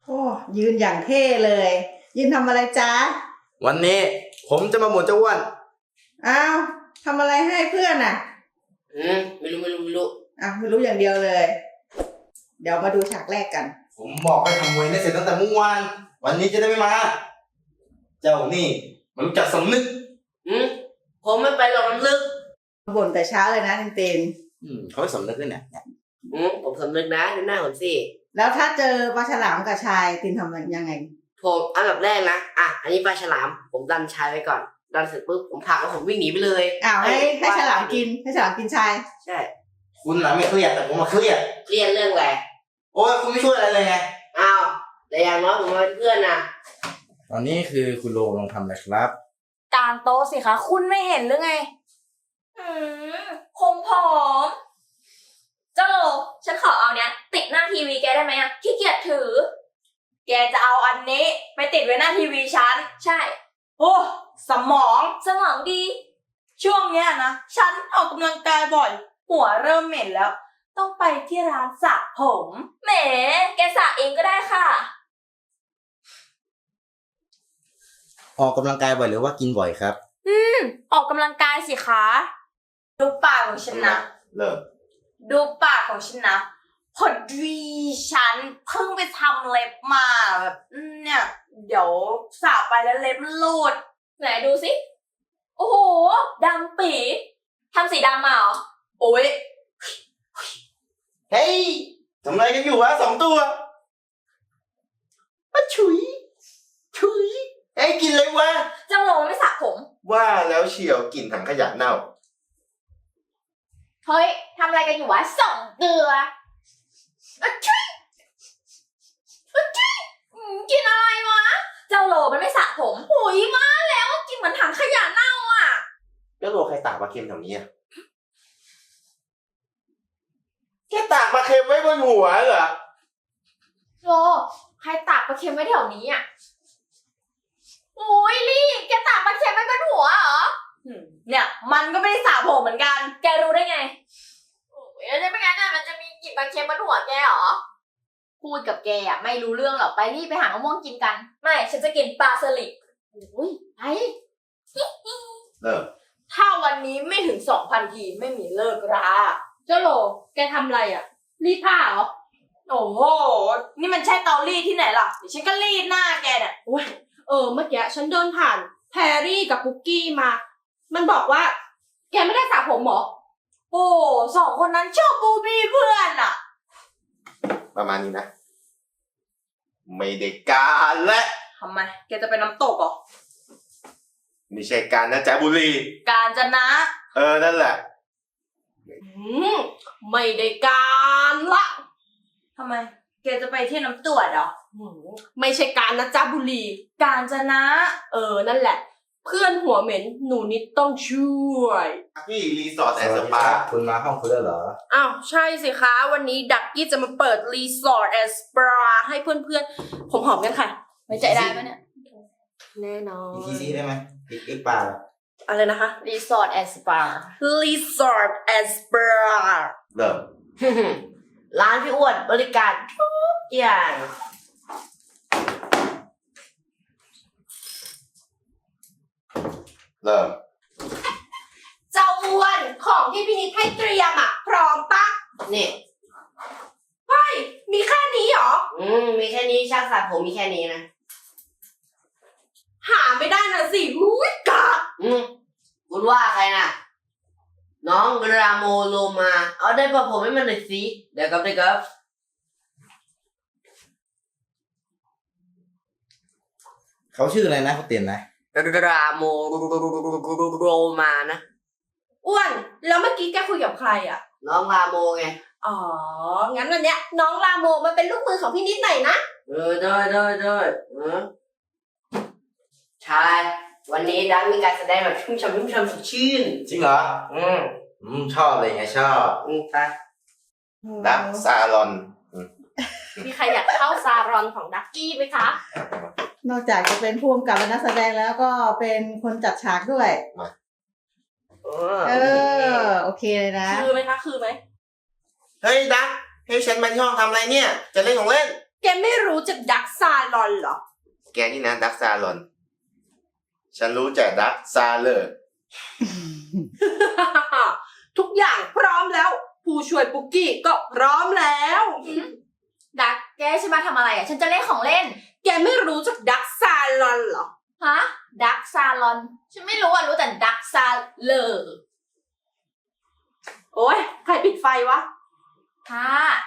โอ้ยืนอย่างเท่เลยยืนทำอะไรจ๊ะวันนี้ผมจะมาหมุนเจ้าอ้วนอ้าวทำอะไรให้เพื่อนอ่ะไม่รู้อ้าวไม่รู้อย่างเดียวเลย เดี๋ยวมาดูฉากแรกกันผมบอกให้ทำมวยได้เสร็จตั้งแต่เมื่อวานวันนี้จะได้ไม่มาเจ้านี่มันรู้จักสำนึกผมไม่ไปหรอกน้ำลึกบ่นแต่เช้าเลยนะเต็นเขาไม่สำนึกด้วยเนี่ยผมสำนึกนะดูหน้าผมสิแล้วถ้าเจอปลาฉลามกับชายตินทำยังไงผมอันดับแรกนะอันนี้ปลาฉลามผมดันชายไว้ก่อนดันเสร็จปุ๊บผมผลักแล้วผมวิ่งหนีไปเลยอ้าวให้ฉลามกินให้ฉลามกินชายใช่คุณน่ะไม่เครียดแต่ผมมาเครียดเรื่องอะไรโอ้ยคุณไม่ช่วยอะไรเลยไงอ้าวแต่อย่างน้อยผมมาเป็นเพื่อนนะตอนนี้คือคุณโลลองทำอะไรครับกางโต๊ะสิคะคุณไม่เห็นหรือไงคงผอมเจ้าโลฉันขอเอาเนี้ยติดหน้าทีวีแกได้ไหมอะขี้เกียจถือแกจะเอาอันนี้ไปติดไว้หน้าทีวีฉันใช่โอ้สมองดีช่วงเนี้ยนะฉันออกกำลังกายบ่อยหัวเริ่มเหม็นแล้วต้องไปที่ร้านสระผมแหมแกสระเองก็ได้ค่ะออกกำลังกายบ่อยหรือว่ากินบ่อยครับออกกำลังกายสิคะดูปากของฉันนะเริ่มดูปากของฉันนะพอดีฉันเพิ่งไปทำเล็บมาแบบเนี่ยเดี๋ยวสระไปแล้วเล็บหลุดไหนดูสิโอ้โหดำปีทำสีดำมาเหรอโอ้ยเฮ้ยทำอะไรกันอยู่วะ2 ตัวฉุยเฮ้ยกินเลยวะเจ้าโลไม่สระผมว่าแล้วเฉียวกลิ่นถังขยะเน่าเฮ้ยทำอะไรกันอยู่วะ2 เดือกินอะไรวะเจ้าโลมันไม่สระผมโอ้ยมาแล้วกินเหมือนถังขยะเน่าอ่ะแล้วโลใครตากปลาเค็มแถวนี้อ่ะแค่ตากปลาเค็มไว้บนหัวเหรอโลใครตากปลาเค็มไว้แถวนี้อ่ะโอ้ยลี่แกตากปลาเค็มไว้บนหัวเหรอเนี่ยมันก็ไม่ได้สระผมเหมือนกันแกรู้ได้ไงโอ้ยแล้วจะไม่งั้นอ่ะมันจะมีกลิ่นปลาเค็มบนหัวแกเหรอพูดกับแกอ่ะไม่รู้เรื่องหรอกไปรีบไปหามะม่วงกินกันไม่ฉันจะกินปลาสลิดอุ้ยไปถ้าวันนี้ไม่ถึง 2,000 ทีไม่มีเลิกราเจ้าโหลแกทำอะไรอ่ะรีดผ้าเหรอโอ้โหนี่มันใช่เตารีดที่ไหนล่ะเดี๋ยวฉันก็รีดหน้าแกเนี่ยโอ้ยเมื่อกี้ฉันเดินผ่านแพรรี่กับปุ๊กกี้มามันบอกว่าแกไม่ได้สระผมเหรอโอ้2 คนนั้นชอบบูบี้เพื่อนอ่ะประมาณนี้นะไม่ได้การและทำไมแกจะไปน้ำตกเหรอไม่ใช่การนะจ๊ะบุรีกาญจนะนั่นแหละไม่ได้การละทำไมแกจะไปที่น้ำตรวจเหรอไม่ใช่การนะจ๊ะบุรีกาญจนะนั่นแหละเพื่อนหัวเหม็นหนูนิดต้องช่วยพี่รีสอร์ทแอนด์สปาคุณมาห้องคุณแล้วเหรออ้าวใช่สิคะวันนี้ดักกี้จะมาเปิดรีสอร์ทแอนด์สปาให้เพื่อนๆผมหอมกันค่ะไว้ใจได้ไหมเนี่ยแน่นอนอีกทีได้ไหมอีกปาอะไรนะคะรีสอร์ทแอนด์สปารีสอร์ทแอนด์สปาเริ่มร้านพี่อ้วนบริการทุกอย่างเริ่มเจ้าอ้วนของที่พี่นิดให้เตรียมพร้อมปะนี่เฮ้ยมีแค่นี้เหรอมีแค่นี้ช่างสระผมมีแค่นี้นะหาไม่ได้นะสิมุ้ยกะคุณว่าใครน่ะน้องราโมโลมาเอาได้ปะผมให้มันหน่อยสิเดี๋ยวครับเขาชื่ออะไรนะเขาเตียนนะราโมโรมานะอ้วนแล้วเมื่อกี้แกคุยกับใครอ่ะน้องราโมไงอ๋องั้นวันเนี้ยน้องราโมมันเป็นลูกมือของพี่นิดหน่อยนะได้ใช่วันนี้ดังมีการแสดงแบบชุ่มฉ่ำสดชื่นจริงเหรอชอบเลยไงชอบไปดักซาลอนมีใครอยากเข้าซารอนของดักกี้ไหมคะนอกจากจะเป็นผู้กำกับและนักแสดงแล้วก็เป็นคนจัดฉากด้วยโอเคเลยนะคือไหมคะคือไหมเฮ้ยดักให้ฉันมาที่ห้องทำอะไรเนี่ยจะเล่นของเล่นแกไม่รู้จักดักซซาลอนเหรอแกนี่นะดักซาลอน ฉันรู้จักดักซาเลอร์ทุกอย่างพร้อมแล้ว ผู้ช่วยปุกกี้ก็พร้อมแล้วดักแกใช่มาทำอะไรอ่ะ ฉันจะเล่นของเล่นแกไม่รู้จักดักซาลอนเหรอฮะ ดักซาลอน ฉันไม่รู้อ่ะ รู้แต่ดักซาเลอร์โอ้ยใครปิดไฟวะค่ะ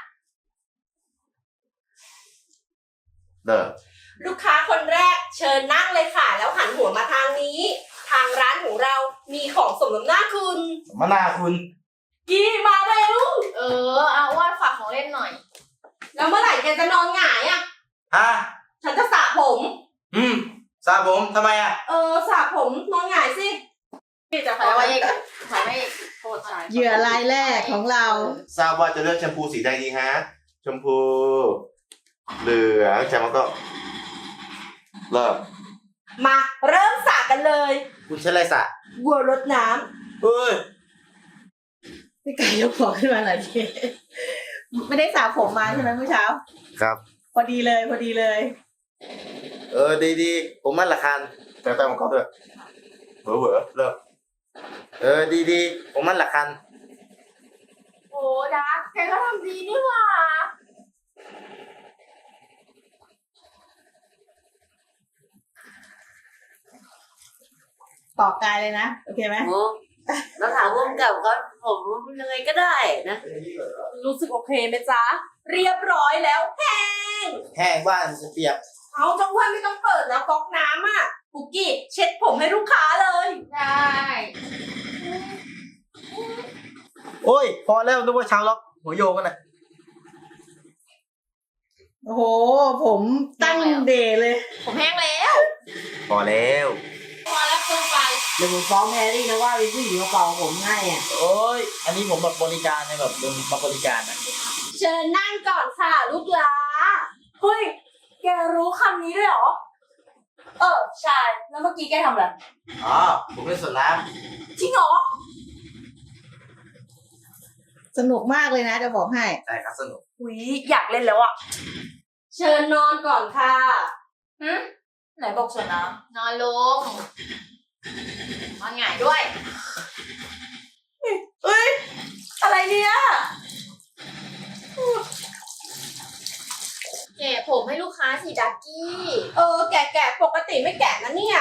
เด้อลูกค้าคนแรกเชิญนั่งเลยค่ะ แล้วหันหัวมาทางนี้ ทางร้านของเรามีของสมน้ำหน้าคุณมะนาวคุณกี้มาเร็วเอาว่าฝากของเล่นหน่อยแล้วเมื่อไหร่แกจะนอนหงายอ่ะอ่ะฉันจะสระผมซาผมทำไมอ่ะสระผมนอนหงายสิพี่จะถอยมาอีกถอยมาอีกโทษใจเหยื่อรายแรกของเราทราบว่าจะเลือกแชมพูสีใดดีฮะ ชมพู เหลืองแชมพูก็เริ่มมาเริ่มสระกันเลยคุณใช้อะไรสระวัวรดน้เฮ้ยพี่ไก่ยกของขึ้นมาหน่อยทีไม่ได้สระผมมาใช่ไหมเมื่อเช้าครับพอดีเลยพอดีเลยดีผมมันละคันแต่มันก็ด้วยเวอเริ่มดีผมมันละคันโอ้ดักแกก็ทำดีนี่หว่าต่อกายเลยนะ โอเคไหมโอ้แล้วถามร่วมกับเขาผมยังไงก็ได้นะำรู้สึกโอเคไหมจ๊ะ เรียบร้อยแล้วแห้งแห้งบ้านเปียกเอาจังหวะไม่ต้องเปิดแล้วก๊อกน้ำอ่ะปุกกี้เช็ดผมให้ลูกค้าเลยได้โอ้ย พอแล้วนึกว่าชาวล็อกหัวโยกันนะโอ้โห ผมตั้งเดย์เลยผมแห้งแล้วพอแล้วพอแล้วคือไปเดี๋ยวผมฟ้องแพรรี่นะว่าเป็นผู้หญิงมาเป่าผมให้อ่ะโอ้ย อันนี้ผมแบบบริการเนี่ยแบบโดนมาบริการนะเชิญนั่งก่อนค่ะลูกหลาเฮ้ย แกรู้คำนี้ด้วยเหรอ ใช่ แล้วเมื่อกี้แกทำอะไรอ๋อ ผมเล่นสวนน้จริงเหรอสนุกมากเลยนะจะบอกให้ำใช่ครับสนุกหุยอยากเล่นแล้วอ่ะเชิญนอนก่อนค่ะไหนบอกสวนน้ำนอนลง นอนหงายด้วยเอ้ย อะไรเนี่ยแกะผมให้ลูกค้าสิดักกี้แกะปกติไม่แกะนะเนี่ย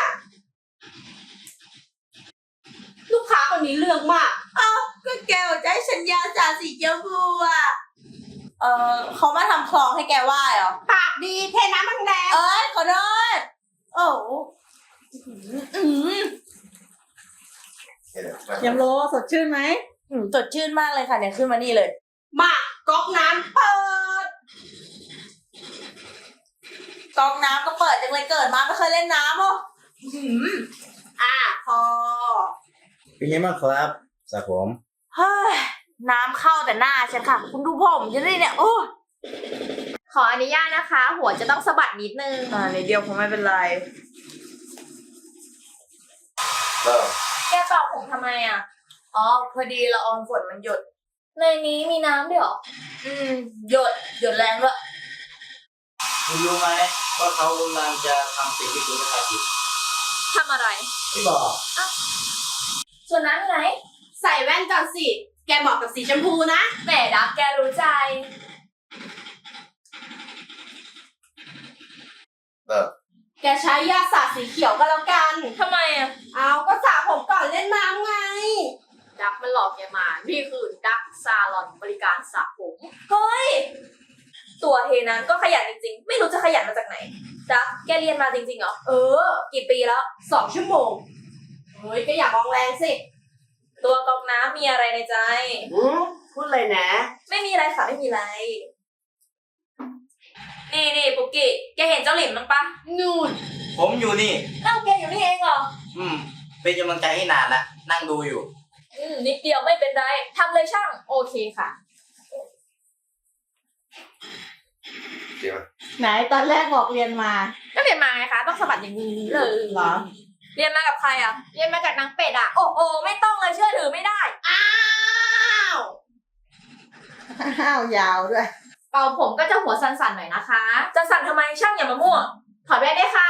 ลูกค้าคนนี้เรื่องมาก ก็แกบอกจะให้ฉันยาวจากสีชมพูอ่ะเขามาทำคลองให้แกว่ายเหรอปากดีเทน้ำมันแดงเอ้ยขอโทษโอ้โหยำโลสดชื่นไหมสดชื่นมากเลยค่ะเนี่ยขึ้นมานี่เลยมาก๊อกน้ำเปิดก๊อกน้ำก็เปิดจังเลยเกิดมาไม่เคยเล่นน้ำอ่ะพอเป็นไงบ้างครับสระผมเฮ้ยน้ำเข้าแต่หน้าฉันค่ะ คุณดูผมฉันดิเนี่ยโอ้ขออนุญาตนะคะ หัวจะต้องสะบัดนิดนึงนิดเดียวคงไม่เป็นไรเริ่มแกเป่าผมทำไมอ่ะอ๋อพอดีละอองฝนมันหยดในนี้มีน้ำด้วยเหรอหยดแรงด้วยคุณรู้ไหมว่าเขากำลังจะทำสิ่งที่คุณไม่คาดคิดทำอะไรไม่บอกส่วนน้ำอยู่ไหนใส่แว่นก่อนสิ แกเหมาะกับสีชมพูนะแหมดักแกรู้ใจเริ่มแกใช้ยาสระสีเขียวก็แล้วกันทำไมอ่ะเอาก็สระผมก่อนเล่นน้ำไงดักมันหลอกแกมา นี่คือดักซาลอนบริการสระผม เฮ้ย ตัวเฮนั้นก็ขยันจริงๆ ไม่รู้จะขยันมาจากไหน ดักแกเรียนมาจริงๆเหรอ กี่ปีแล้ว 2 ชั่วโมง เฮ้ยก็อย่ามองแรงสิตัวกรองน้ำมีอะไรในใจพูดเลยนะไม่มีอะไรค่ะไม่มีอะไร นี่ปุกกี้ แกเห็นเจ้าหลิมมั้งปะนู่นผมอยู่นี่เอ้าแกอยู่นี่เองเหรอเป็นกำลังใจให้นานละนั่งดูอยู่นิดเดียวไม่เป็นไรทำเลยช่าง โอเคค่ะเดี๋ยวไหนตอนแรกบอกเรียนมาก็เรียนมาไงคะ ต้องสะบัดอย่างนี้เลยเหรอเรียนมากับใครอ่ะ เรียนมากับนางเป็ดอ่ะ โอ้โหไม่ต้องเลยเชื่อถือไม่ได้อ้าวอ้าวยาวด้วยเป่าผมก็จะหัวสั่นๆหน่อยนะคะ จะสั่นทำไมช่างอย่ามามั่ว ถอดแว่นได้ค่ะ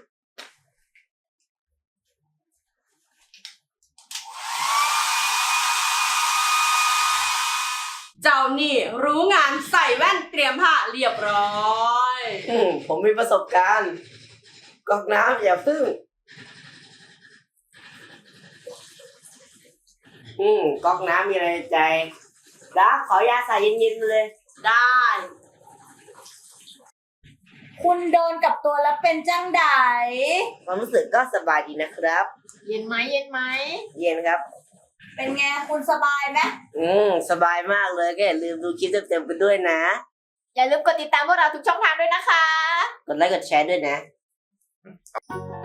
เจ้านี่รู้งานใส่แว่นเตรียมผ้าเรียบร้อยผมมีประสบการณ์ก๊อกน้ำอย่าพึ่งก๊อกน้ำมีอะไรในใจรักขอยาใส่เย็นๆเลยได้คุณโดนกับตัวแล้วเป็นจังไดความรู้สึกก็สบายดีนะครับเย็นไหมเย็นไหมเย็นครับเป็นไงคุณสบายไหมสบายมากเลยก็อย่าลืมดูคลิปเต็มๆกันด้วยนะอย่าลืมกดติดตามพวกเราทุกช่องทางด้วยนะคะกดไลค์กดแชร์ด้วยนะค